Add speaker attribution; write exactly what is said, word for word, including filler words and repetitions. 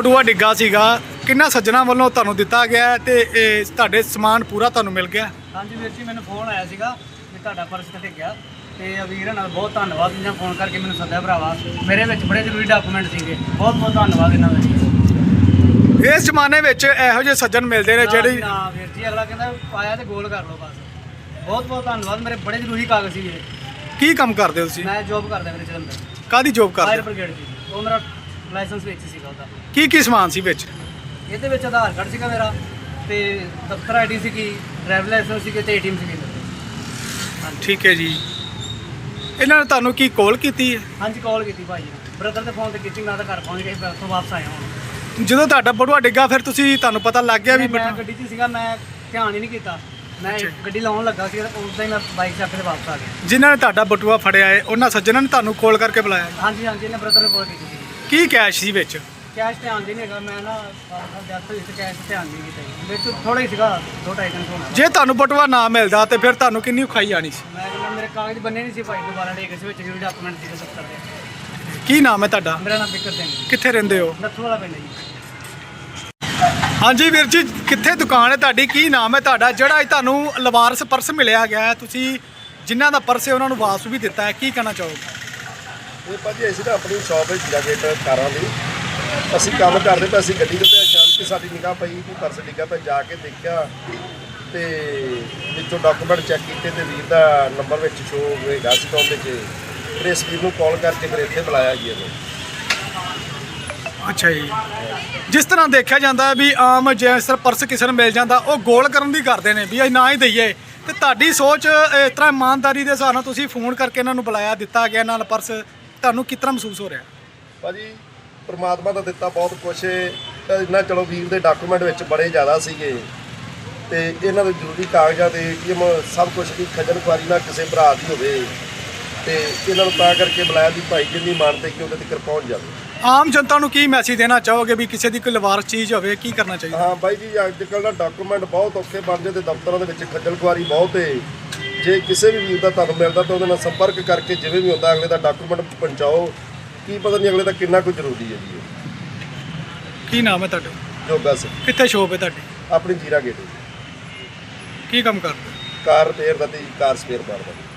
Speaker 1: ਬਟੂਆ ਡਿੱਗਾ ਸੀਗਾ ਕਿੰਨਾ ਸੱਜਣਾ ਵੱਲੋਂ ਤੁਹਾਨੂੰ ਦਿੱਤਾ ਗਿਆ ਤੇ ਇਹ ਤੁਹਾਡੇ ਸਮਾਨ ਪੂਰਾ ਤੁਹਾਨੂੰ ਮਿਲ ਗਿਆ?
Speaker 2: ਹਾਂਜੀ ਵੀਰ ਜੀ, ਮੈਨੂੰ ਫੋਨ ਆਇਆ ਸੀਗਾ ਵੀ ਤੁਹਾਡਾ ਪਰਸ ਤੇ ਡਿੱਗਿਆ ਤੇ ਵੀਰ ਨਾਲ ਬਹੁਤ ਧੰਨਵਾਦ ਇਹਨਾਂ ਫੋਨ ਕਰਕੇ ਮੈਨੂੰ ਸੱਦਿਆ ਭਰਾਵਾ। ਮੇਰੇ ਵਿੱਚ ਬੜੇ ਜ਼ਰੂਰੀ ਡਾਕੂਮੈਂਟ ਸੀਗੇ, ਬਹੁਤ ਬਹੁਤ ਧੰਨਵਾਦ ਇਹਨਾਂ ਦਾ।
Speaker 1: ਇਸ ਜ਼ਮਾਨੇ ਵਿੱਚ ਇਹੋ ਜਿਹੇ ਸੱਜਣ ਮਿਲਦੇ ਨੇ ਜਿਹੜੀ
Speaker 2: ਨਾ ਵੀਰ ਜੀ, ਅਗਲਾ ਕਹਿੰਦਾ ਆਇਆ ਤੇ ਗੋਲ ਕਰ ਲਓ ਬਸ। ਬਹੁਤ ਬਹੁਤ ਧੰਨਵਾਦ, ਮੇਰੇ ਬੜੇ ਜ਼ਰੂਰੀ ਕਾਗਜ਼ ਸੀ ਵੀਰੇ।
Speaker 1: ਕੀ ਕੰਮ ਕਰਦੇ ਹੋ ਤੁਸੀਂ?
Speaker 2: ਮੈਂ ਜੋਬ ਕਰਦਾ ਵੀਰੇ ਜਲੰਧਰ,
Speaker 1: ਕਾਹਦੀ ਜੋਬ ਕਰਦੇ
Speaker 2: ਫਾਇਰ
Speaker 1: ਹੋ?
Speaker 2: ਬ੍ਰਿਗੇਡ ਦੀ। ਉਹ ਮੇਰਾ ਲਾਇਸੈਂਸ ਵਿੱਚ ਸੀਗਾ ਉਹਦਾ।
Speaker 1: ਕੀ ਕੀ ਸਮਾਨ ਸੀ ਵਿੱਚ?
Speaker 2: ਇਹਦੇ ਵਿੱਚ ਆਧਾਰ ਕਾਰਡ ਸੀਗਾ ਮੇਰਾ ਤੇ ਦਫ਼ਤਰ ਆਈਡੀ ਸੀਗੀ, ਡਰਾਈਵਰ ਲਾਇਸੈਂਸ ਸੀਗੇ ਤੇ ਏਟੀਐਮ ਸੀਗੇ ਮੇਰੇ।
Speaker 1: ਠੀਕ ਹੈ ਜੀ। ਇਹਨਾਂ ਨੇ ਤੁਹਾਨੂੰ ਕੀ ਕਾਲ ਕੀਤੀ ਹੈ?
Speaker 2: ਹਾਂਜੀ ਕਾਲ ਕੀਤੀ ਭਾਈ ਨੇ, ਬ੍ਰਦਰ ਦੇ ਫੋਨ ਤੇ ਕੀਤੀ। ਮੈਂ ਤਾਂ ਘਰ ਪਹੁੰਚ ਗਿਆ, ਫਿਰ ਉੱਥੋਂ ਵਾਪਸ ਆਇਆ ਹੁਣ।
Speaker 1: ਜਦੋਂ ਤੁਹਾਡਾ ਬਟੂਆ ਡਿੱਗਾ ਫਿਰ ਤੁਸੀਂ ਤੁਹਾਨੂੰ ਪਤਾ ਲੱਗ ਗਿਆ ਵੀ
Speaker 2: ਮੈਂ
Speaker 1: ਬਟੂਆ-
Speaker 2: ਗੱਡੀ 'ਚ ਸੀਗਾ, ਮੈਂ ਧਿਆਨ ਹੀ ਨਹੀਂ ਕੀਤਾ। ਮੈਂ ਗੱਡੀ ਲਾਉਣ ਲੱਗਾ ਸੀ, ਉਦੋਂ ਹੀ ਮੈਂ ਬਾਈਕ ਚੱਕ ਕੇ ਵਾਪਸ ਆ ਗਿਆ।
Speaker 1: ਜਿਨ੍ਹਾਂ ਨੇ ਤੁਹਾਡਾ ਬਟੂਆ ਫੜਿਆ ਹੈ ਉਹਨਾਂ ਸੱਜਣਾਂ ਨੇ ਤੁਹਾਨੂੰ ਕਾਲ ਕਰਕੇ ਬੁਲਾਇਆ?
Speaker 2: ਹਾਂਜੀ ਹਾਂਜੀ, ਇਹਨੇ ਬ੍ਰਦਰ ਨੇ ਕਾਲ ਕੀਤੀ ਸੀ।
Speaker 1: ਕੀ ਕੈਸ਼ ਸੀ ਵਿੱਚ?
Speaker 2: ਕੈਸ਼ ਧਿਆਨ ਨਹੀਂ ਹੈਗਾ, ਮੈਂ ਨਾ ਜਦ ਵਿੱਚ ਕੈਸ਼ ਧਿਆਨ ਨਹੀਂ ਕੀਤਾ ਜੀ। ਵਿੱਚ ਥੋੜਾ ਹੀ ਸੀਗਾ, ਦੋ ਢਾਈ ਦਿਨ ਹੋਣਾ।
Speaker 1: ਜੇ ਤੁਹਾਨੂੰ ਬਟੂਆ ਨਾ ਮਿਲਦਾ ਤੇ ਫਿਰ ਤੁਹਾਨੂੰ ਕਿੰਨੀ ਖਾਈ ਆਣੀ ਸੀ?
Speaker 2: ਮੈਂ ਕਹਿੰਦਾ ਮੇਰੇ ਕਾਗਜ਼ ਬੰਨੇ ਨਹੀਂ ਸੀ ਭਾਈ, ਦੁਬਾਰਾ ਡੇ ਕਿਸੇ ਵਿੱਚ ਜ਼ਰੂਰੀ ਡਾਕੂਮੈਂਟ ਸੀਗੇ ਸੱਤਰ ਦੇ।
Speaker 1: ਕੀ ਨਾਮ ਹੈ ਤੁਹਾਡਾ?
Speaker 2: ਮੇਰਾ ਨਾਮ ਬਿਕਰ ਸਿੰਘ,
Speaker 1: ਕਿੱਥੇ ਰਹਿੰਦੇ ਹੋ?
Speaker 2: ਨੱਥੂ ਵਾਲਾ ਪਿੰਡ ਜੀ।
Speaker 1: ਹਾਂਜੀ ਵੀਰ ਜੀ, ਕਿੱਥੇ ਦੁਕਾਨ ਹੈ ਤੁਹਾਡੀ? ਕੀ ਨਾਮ ਹੈ ਤੁਹਾਡਾ? ਜਿਹੜਾ ਅੱਜ ਤੁਹਾਨੂੰ ਲਵਾਰਸ ਪਰਸ ਮਿਲਿਆ ਗਿਆ ਹੈ, ਤੁਸੀਂ ਜਿਨ੍ਹਾਂ ਦਾ ਪਰਸ ਹੈ ਉਹਨਾਂ ਨੂੰ ਵਾਪਸ ਵੀ ਦਿੱਤਾ ਹੈ, ਕੀ ਕਹਿਣਾ ਚਾਹੋਗੇ?
Speaker 3: ਇਹ ਭਾਜੀ ਅਸੀਂ ਤਾਂ ਆਪਣੀ ਸ਼ਾਪ ਹੈ ਜੀਰਾ ਗੇਟ ਕਾਰਾਂ ਦੀ। ਅਸੀਂ ਕੰਮ ਕਰਦੇ ਪਏ, ਅਸੀਂ ਗੱਡੀ ਦੇ ਉੱਤੇ ਅਚਾਨਕ ਕਿ ਸਾਡੀ ਨਿਗਾਹ ਪਈ ਕਿ ਪਰਸ ਡਿੱਗਾ ਪਿਆ। ਜਾ ਕੇ ਦੇਖਿਆ ਤੇ ਵਿੱਚੋਂ ਡਾਕੂਮੈਂਟ ਚੈੱਕ ਕੀਤੇ ਤੇ ਵੀਰ ਦਾ ਨੰਬਰ ਵਿੱਚ ਸ਼ੋ ਹੋਏਗਾ ਸੀ। ਤਾਂ ਉਹਦੇ 'ਚ ਫਿਰ ਇਸ ਵੀਰ ਨੂੰ ਕਾਲ ਕਰਕੇ ਫਿਰ ਇੱਥੇ ਬੁਲਾਇਆ ਜੀ ਇਹਨੂੰ।
Speaker 1: ਅੱਛਾ ਜੀ। ਜਿਸ ਤਰ੍ਹਾਂ ਦੇਖਿਆ ਜਾਂਦਾ ਹੈ ਵੀ ਆਮ ਜੇ ਸਰ ਪਰਸ ਕਿਸੇ ਨੂੰ ਮਿਲ ਜਾਂਦਾ ਉਹ ਗੋਲ ਕਰਨ ਦੀ ਕਰਦੇ ਨੇ ਵੀ ਅਸੀਂ ਨਾ ਹੀ ਦਈਏ, ਤੇ ਤੁਹਾਡੀ ਸੋਚ ਇਸ ਤਰ੍ਹਾਂ ਇਮਾਨਦਾਰੀ ਦੇ ਹਿਸਾਬ ਨਾਲ ਤੁਸੀਂ ਫੋਨ ਕਰਕੇ ਇਹਨਾਂ ਨੂੰ ਬੁਲਾਇਆ, ਦਿੱਤਾ ਗਿਆ ਨਾਲ ਪਰਸ, ਤੁਹਾਨੂੰ ਕਿਸ ਤਰ੍ਹਾਂ ਮਹਿਸੂਸ ਹੋ ਰਿਹਾ?
Speaker 3: ਭਾਜੀ ਪਰਮਾਤਮਾ ਦਾ ਦਿੱਤਾ ਬਹੁਤ ਕੁਛ ਇਹਨਾਂ। ਚਲੋ ਵੀਰ ਦੇ ਡਾਕੂਮੈਂਟ ਵਿੱਚ ਬੜੇ ਜ਼ਿਆਦਾ ਸੀਗੇ ਤੇ ਇਹਨਾਂ ਦੇ ਜ਼ਰੂਰੀ ਕਾਗਜ਼ਾਤ ਏਟੀਐਮ ਸਭ ਕੁਝ ਦੀ ਖੱਜਲ ਖੁਆਰੀ ਨਾਲ ਕਿਸੇ ਭਰਾ ਦੀ ਹੋਵੇ ਤੇ ਇਹਨਾਂ ਨੂੰ ਤਾਂ ਕਰਕੇ ਬੁਲਾਇਆ ਵੀ ਭਾਈ ਜਿੰਨੀ ਮਾਨਤੇ ਕਿ ਉਹਦੇ ਤੱਕ ਪਹੁੰਚ ਜਾਵੇ।
Speaker 1: ਆਮ ਜਨਤਾ ਨੂੰ ਕੀ ਮੈਸੇਜ ਦੇਣਾ ਚਾਹੋਗੇ ਵੀ ਕਿਸੇ ਦੀ ਕੋਈ ਲਵਾਰਸ ਚੀਜ਼ ਹੋਵੇ ਕੀ ਕਰਨਾ ਚਾਹੀਦਾ?
Speaker 3: ਹਾਂ ਬਾਈ ਜੀ, ਅੱਜ ਕੱਲ੍ਹ ਦਾ ਡਾਕੂਮੈਂਟ ਬਹੁਤ ਔਖੇ ਬਣ ਜਾਂਦੇ, ਦਫ਼ਤਰਾਂ ਦੇ ਵਿੱਚ ਖੱਜਲ ਖੁਆਰੀ ਬਹੁਤ ਹੈ। ਜੇ ਕਿਸੇ ਵੀ ਵੀਰ ਦਾ ਤੁਹਾਨੂੰ ਮਿਲਦਾ ਤਾਂ ਉਹਦੇ ਨਾਲ ਸੰਪਰਕ ਕਰਕੇ ਜਿਵੇਂ ਵੀ ਹੁੰਦਾ ਅਗਲੇ ਦਾ ਡਾਕੂਮੈਂਟ ਪਹੁੰਚਾਓ। ਕੀ ਪਤਾ ਨਹੀਂ ਅਗਲੇ ਦਾ ਕਿੰਨਾ ਕੁ ਜ਼ਰੂਰੀ ਹੈ ਜੀ।
Speaker 1: ਕੀ ਨਾਮ ਹੈ ਤੁਹਾਡਾ?
Speaker 3: ਜੋਗਾ ਸਿੰਘ,
Speaker 1: ਕਿੱਥੇ ਸ਼ੋਪ ਹੈ ਤੁਹਾਡੀ?
Speaker 3: ਆਪਣੀ ਜੀਰਾ ਗੇਟ
Speaker 1: ਕੀ ਕੰਮ ਕਰਦੇ?
Speaker 3: ਕਾਰ ਰਿਪੇਅਰ ਦਾ ਤੇ ਕਾਰ ਸਪੇਅਰ ਪਾਰਟ ਦਾ।